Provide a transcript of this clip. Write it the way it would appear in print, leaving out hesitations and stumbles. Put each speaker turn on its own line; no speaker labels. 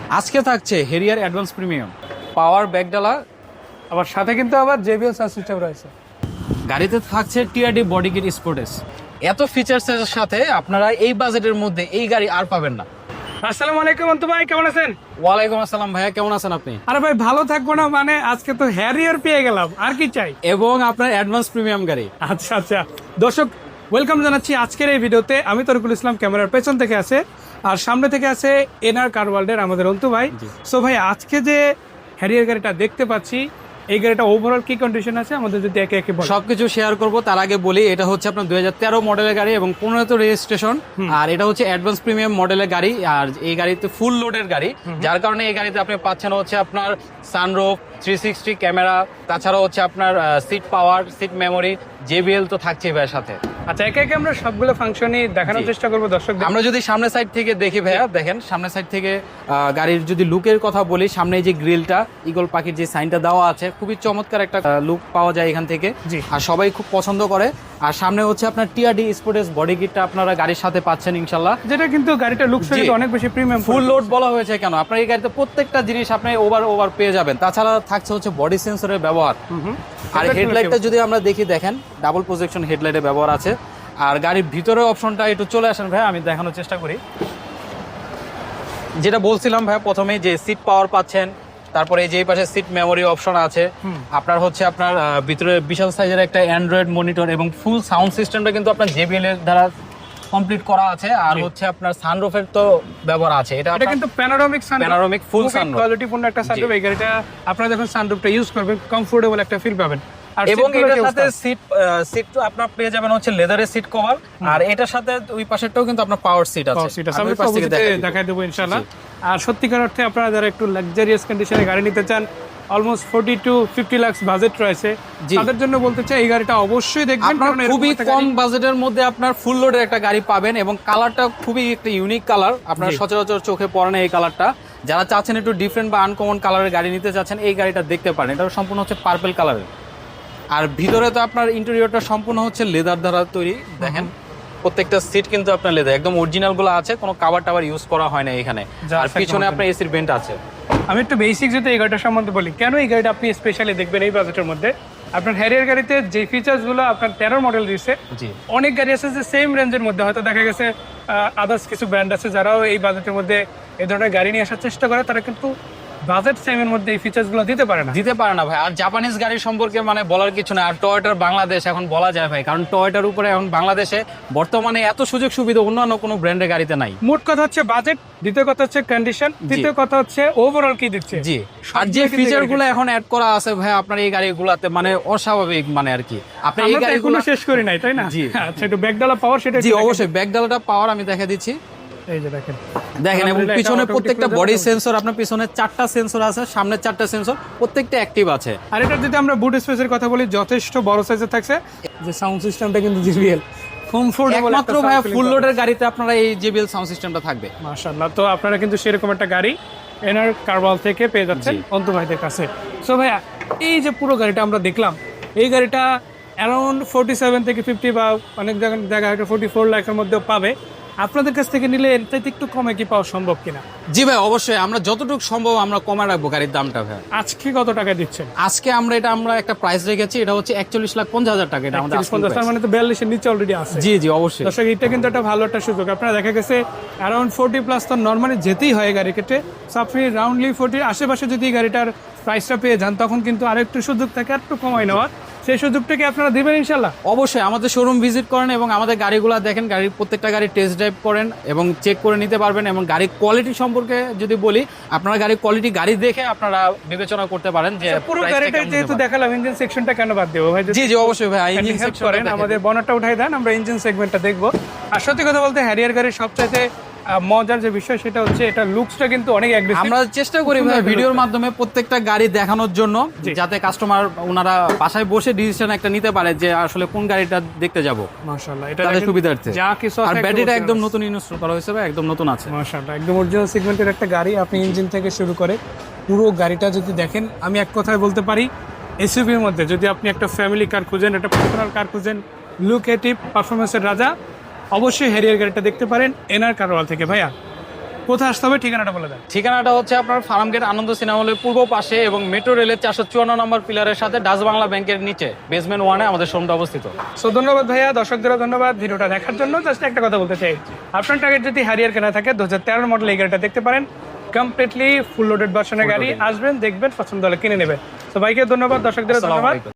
আজকে থাকছে Harrier advance premium power ব্যাকডালা,
আবার সাথে কিন্তু আবার জেবিএল সাউন্ড সিস্টেম রয়েছে।
গাড়িতে থাকছে টিআরডি বডি কিট স্পোর্টেস। এত ফিচার্সের সাথে আপনারা এই বাজেটের মধ্যে এই গাড়ি আর পাবেন না।
আসসালামু আলাইকুম অন্তু ভাই, কেমন আছেন?
ওয়ালাইকুম আসসালাম ভাইয়া, কেমন আছেন আপনি?
আরে ভাই ভালো থাকবো না মানে, আজকে তো হ্যারিয়ার পেয়ে গেলাম, আর কি চাই।
এবং আপনার অ্যাডভান্স প্রিমিয়াম গাড়ি।
আচ্ছা আচ্ছা দর্শক, ওয়েলকাম জানাচ্ছি আজকের এই ভিডিওতে। আমি তরিকুল ইসলাম, ক্যামেরার পেছন থেকে আছে, আর সামনে থেকে আছে এনআর কার ওয়ার্ল্ডের আমাদের অন্তু ভাই। সো ভাই, আজকে যে হ্যারিয়ার গাড়িটা দেখতে পাচ্ছি, এই গাড়িটা ওভারঅল কি কন্ডিশন আছে আমাদের যদি একে একে বলেন।
সবকিছু শেয়ার করব, তার আগে বলি এটা হচ্ছে আপনার 2013 মডেলের গাড়ি এবং 15 রেজিস্ট্রেশন। আর এটা হচ্ছে অ্যাডভান্স প্রিমিয়াম মডেলের গাড়ি, আর এই গাড়িতে ফুল লোডের গাড়ি, যার কারণে এই গাড়িতে আপনি পাচ্ছেন হচ্ছে আপনার সানরুফ, 360 ক্যামেরা, তাছাড়া হচ্ছে আপনার seat power, seat memory, JBL তো থাকছে ভাইয়ের সাথে।
আচ্ছা, একে একে আমরা সবগুলো ফাংশনই দেখানোর চেষ্টা করবো দর্শক।
আমরা যদি সামনের সাইড থেকে দেখি ভাইয়া, দেখেন সামনের সাইড থেকে গাড়ির যদি লুকের কথা বলি, সামনে এই যে গ্রিলটা, ঈগল পাখির যে সাইনটা দেওয়া আছে, খুবই চমৎকার একটা লুক পাওয়া যায় এখান থেকে, আর সবাই খুব পছন্দ করে। আর সামনে হচ্ছে আপনার টিআরডি স্পোর্টেস বডি কিটটা আপনারা গাড়ির সাথে পাচ্ছেন ইনশাল্লাহ,
যেটা কিন্তু গাড়িটা লুকস অনেক বেশি প্রিমিয়াম।
ফুল লোড বলা হয়েছে কেন, আপনার এই গাড়িতে প্রত্যেকটা জিনিস আপনি ওভার পেয়ে যাবেন। তাছাড়া থাকছে হচ্ছে বডি সেন্সরের ব্যবহার। আর হেডলাইটটা যদি আমরা দেখি, দেখেন ডাবল প্রজেকশন হেডলাইটের ব্যবহার আছে। আর গাড়ির ভিতরে অপশনটা একটু চলে আসেন ভাই, আমি দেখানোর চেষ্টা করি। যেটা বলছিলাম ভাই প্রথমে, যে সিট পাওয়ার পাচ্ছেন, তারপরে এই যে পাশে সিট মেমোরি অপশন আছে, আপনার হচ্ছে আপনার ভিতরে বিশাল সাইজের একটা অ্যান্ড্রয়েড মনিটর এবং ফুল সাউন্ড সিস্টেমটা কিন্তু আপনার জেবিএল এর দ্বারা কমপ্লিট করা আছে। আর হচ্ছে আপনার সানরুফের তো ব্যবহার আছে, এটা
কিন্তু panoramic sunroof,
panoramic full sunroof,
কোয়ালিটিপূর্ণ একটা সানরুফ। এই গাড়িটা আপনারা যখন সানরুফটা ইউজ করবেন, কমফোর্টেবল একটা ফিল পাবেন।
এবং এটার সাথে সিট আপনার পেয়ে যাবেন হচ্ছে লেদারের সিট কভার, আর এটার সাথে ওই পাশেরটাও কিন্তু আপনার পাওয়ার সিট আছে।
আমি পাশ থেকে দেখাই দেবো ইনশাআল্লাহ। আর সত্যিকার অর্থে আপনারা যারা একটু লাক্সারিয়াস কন্ডিশনে গাড়ি নিতে চান, অলমোস্ট 40 to 50 লাখ বাজেট রয়েছে, তাদের জন্য বলতে চাই এই গাড়িটা অবশ্যই দেখবেন।
খুবই কম বাজেটের মধ্যে আপনার ফুল লোডের একটা গাড়ি পাবেন, এবং কালারটা খুবই একটা ইউনিক কালার, আপনার সচরাচর চোখে পড়ে না এই কালারটা। যারা চাচ্ছেন একটু ডিফারেন্ট বা আনকমন কালারের গাড়ি নিতে চাচ্ছেন, এই গাড়িটা দেখতে পারেন। এটা সম্পূর্ণ হচ্ছে পার্পল কালারের। আর ভিতরে তো আপনার ইন্টেরিয়রটা সম্পূর্ণ হচ্ছে লেদার দ্বারা তৈরি। দেখেন প্রত্যেকটা সিট কিন্তু আপনার লেদার, একদম অরিজিনাল গুলো আছে, কোনো কাভার টাভার ইউজ করা হয় না এখানে। আর পিছনে আপনার এসির ভেন্ট আছে।
আমি একটু বেসিক যদি এই গাড়িটার সম্বন্ধে বলি, কেন এই গাড়িটা আপনি স্পেশালি দেখবেন এই বাজেটের মধ্যে। আপনার হ্যারিয়ার গাড়িতে যে ফিচার্সগুলো আপনার 13 মডেল দিচ্ছে, অনেক গাড়ি আছে যে সেম রেঞ্জের মধ্যে, হয়তো দেখা গেছে আদার্স কিছু ব্র্যান্ড আছে যারাও এই বাজেটের মধ্যে এই ধরনের গাড়ি নিয়ে আসার চেষ্টা করে, তারা কিন্তু বাজেট সেমের মধ্যে এই ফিচার্সগুলো দিতে পারে না
ভাই। আর জাপানিজ গাড়ির সম্পর্কে মানে বলার কিছু না। আর টয়োটার বাংলাদেশ এখন বলা যায় ভাই, কারণ টয়োটার উপরে এখন বাংলাদেশে বর্তমানে এত সুযোগ সুবিধা অন্যান্য কোনো ব্র্যান্ডের গাড়িতে নাই।
মোট কথা হচ্ছে বাজেট, দ্বিতীয় কথা হচ্ছে কন্ডিশন, তৃতীয় কথা হচ্ছে ওভারঅল কি দিচ্ছে।
জি, আর যে ফিচারগুলো এখন অ্যাড করা আছে ভাই আপনার এই গাড়িগুলোতে, মানে অস্বাভাবিক, মানে আর কি। আপনি এই গাড়িগুলো
শেষ করি নাই, তাই না? জি, আচ্ছা, একটু ব্যাকডালা পাওয়ার, সেটা
জি অবশ্যই ব্যাকডালাটা পাওয়ার আমি দেখা দিচ্ছি।
এই যে দেখেন,
এবং পিছনে প্রত্যেকটা বডি সেন্সর, আপনার পিছনে 4টা সেন্সর আছে, সামনে 4টা সেন্সর, প্রত্যেকটা অ্যাক্টিভ আছে।
আর এটা যদি আমরা বুট স্পেসের কথা বলি, যথেষ্ট বড় সাইজের থাকছে। যে সাউন্ড সিস্টেমটা কিন্তু জেবিএল কমফোর্টেবল,
একমাত্র ভাই ফুল লোডের গাড়িতে আপনারা এই জেবিএল সাউন্ড সিস্টেমটা থাকবে।
মাশাআল্লাহ, তো আপনারা কিন্তু সেরকম একটা গাড়ি এনআর কারওয়াল থেকে পেয়ে যাচ্ছেন অন্তু ভাইদের কাছে। সো ভাইয়া, এই যে পুরো গাড়িটা আমরা দেখলাম, এই গাড়িটা অ্যারাউন্ড 47 থেকে 50 বা অনেক জায়গায় 44 লাখের মধ্যেও পাবে। আপনাদের কাছ থেকে নিলে এর চাইতে একটু কমে কি পাওয়া সম্ভব কিনা?
জি ভাই, অবশ্যই আমরা যতটুকু সম্ভব আমরা কমে রাখবো গাড়ির দামটা ভাই।
আজকে কত টাকা দিচ্ছেন?
আজকে আমরা একটা প্রাইস রেখেছি, এটা হচ্ছে 41,50,000 টাকা। এটা আমাদের
41,50,000, মানে তো 42 এর নিচে অলরেডি আছে।
জি জি অবশ্যই
দর্শক, এটা কিন্তু একটা ভালো একটা সুযোগ। আপনারা দেখা গেছে অ্যারাউন্ড 40 প্লাস তো নরমালি যেতেই হয় গাড়ি কেটে। সো আপনি রাউন্ডলি 40 আশেপাশে যদি গাড়িটার প্রাইসটা পেয়ে যান, তখন কিন্তু আরেকটু সুযোগ থাকে একটু কমাই নেওয়ার। সেই সুযোগটাকে আপনারা দিবেন ইনশাল্লাহ?
অবশ্যই আমাদের শোরুম ভিজিট করেন এবং আমাদের গাড়িগুলো দেখেন, গাড়ির প্রত্যেকটা গাড়ি টেস্ট ড্রাইভ করেন এবং চেক করে নিতে পারবেন। এবং গাড়ির কোয়ালিটি সম্পর্কে যদি বলি, আপনারা গাড়ির কোয়ালিটি গাড়ি দেখে আপনারা বিবেচনা করতে পারেন যে
পুরো গাড়িটা যেহেতু দেখালাম, ইঞ্জিন সেকশনটা কেন বাদ দেবো ভাই?
জি জি অবশ্যই ভাই, ইঞ্জিন
সেকশন করেন, আমাদের বনারটা উঠাই দেন, আমরা ইঞ্জিন সেগমেন্টটা দেখবো। আর সত্যি কথা বলতে, হ্যারিয়ার গাড়ির সবচাইতে মজার যে বিষয় সেটা হচ্ছে এটা লুকসটা কিন্তু অনেক অ্যাগ্রেসিভ।
আমরা চেষ্টা করি ভাই ভিডিওর মাধ্যমে প্রত্যেকটা গাড়ি দেখানোর জন্য, যাতে কাস্টমার ওনারা বাসায় বসে ডিসিশন একটা নিতে পারে যে আসলে কোন গাড়িটা দেখতে যাব।
মাশাআল্লাহ, এটা
তাদের সুবিধার্থে
যা কিছু আছে,
আর ব্যাটারিটা একদম নতুন ইনস্টল করা হয়েছে, একদম নতুন আছে।
মাশাআল্লাহ, একদম অরিজিনাল সেগমেন্টের একটা গাড়ি। আপনি ইঞ্জিন থেকে শুরু করে পুরো গাড়িটা যদি দেখেন, আমি এক কথায় বলতে পারি, এসইউভির মধ্যে যদি আপনি একটা ফ্যামিলি কার খুঁজেন, একটা পার্সোনাল কার খুঁজেন, লুকেটিভ পারফরমেন্সের রাজা, অবশ্যই হ্যারিয়ার গাড়িটা দেখতে পারেন এনআর কারওয়াল থেকে। ভাইয়া, কোথায় আসতে হবে ঠিকানাটা বলে দেন।
ঠিকানাটা হচ্ছে আপনার ফার্মগেট আনন্দ সিনেমা হলের পূর্ব পাশে এবং মেট্রো রেলের 454 নম্বর পিলারের সাথে ডাচ বাংলা ব্যাংকের নিচে বেসমেন্ট 1-এ আমাদের শোরুমটা অবস্থিত।
সো ধন্যবাদ ভাইয়া, দর্শকদেরও ধন্যবাদ ভিডিওটা দেখার জন্য। জাস্ট একটা কথা বলতে চাই, আপনার টার্গেট যদি হ্যারিয়ার কেনা থাকে 2013 মডেল এই গাড়িটা দেখতে পারেন। কমপ্লিটলি ফুল লোডেড ভার্সনের গাড়ি, আসবেন দেখবেন পছন্দ হলে কিনে নেবেন। তো ভাইকে ধন্যবাদ, দর্শকদেরও
আসসালামু
ধন্যবাদ।
আলাইকুম।